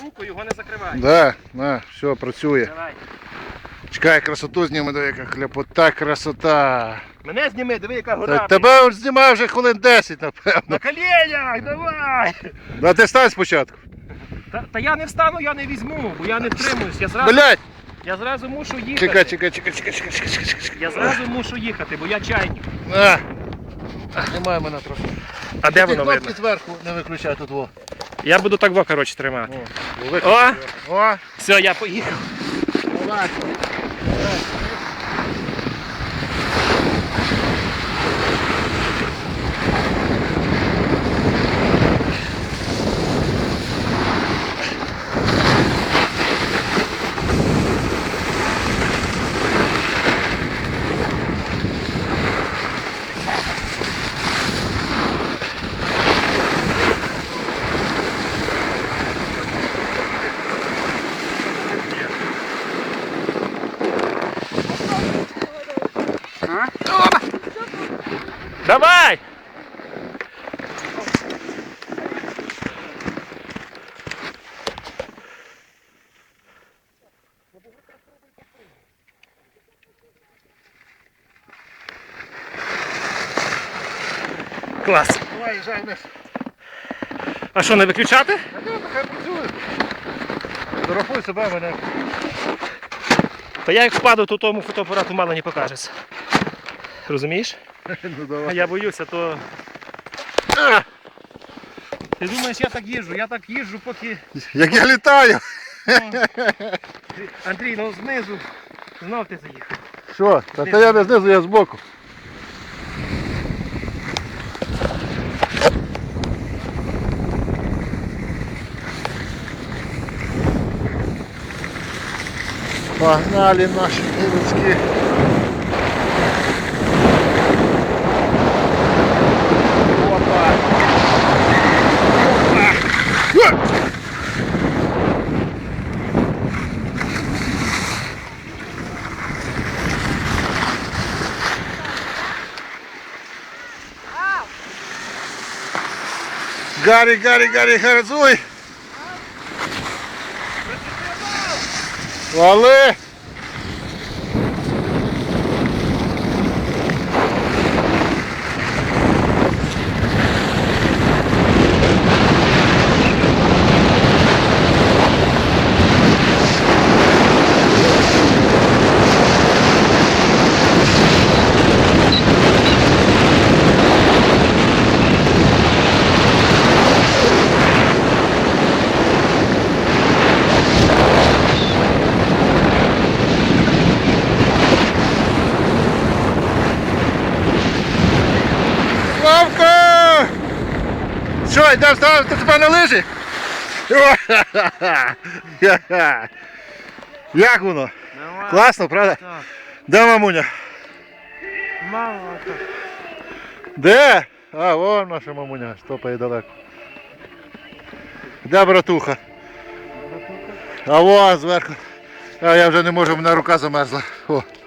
руку, його не закривай. Да, на, все, працює. Давай. Чекай, красоту зніми, диви, яка хляпота, красота. Мене зніми, диви, яка гора. Тебе знімаю вже хвилин 10, напевно. На коленях, давай! А ти стань спочатку. Та я не встану, я не візьму, бо я не втримуюсь. Блядь! Я зразу мушу їхати. Чекай. Я зразу мушу їхати, бо я чайник. На. Знімай мене трохи. А де воно видно? Кнопки зверху не виключай тут. Во. Я буду так во, коротше, тримати. О! О! Все, я поїхав. Давай. Давай! Клас. Давай, їжджай вниз. А що, не виключати? Хай працює. Фотографуй себе, мене. Та я як впаду, то тому фотоапарату мало не покажеться. Розумієш? Ну давай. А я боюся, то... Ти думаєш, я так їжджу, поки... Як я літаю. Андрій, ну знизу, знов ти заїхав. Що? Та я не знизу, я збоку. Погнали наші курочки. Опа! Опа! Гарри, газуй! Вали! Славко! Що, йдемо ставити тебе на лижі? Як воно? Класно, правда? Так. Де мамуня? Мало так. Де? А, вон наша мамуня, стопає далеко. Де братуха? А вон зверху. А я вже не можу, мене рука замерзла. О.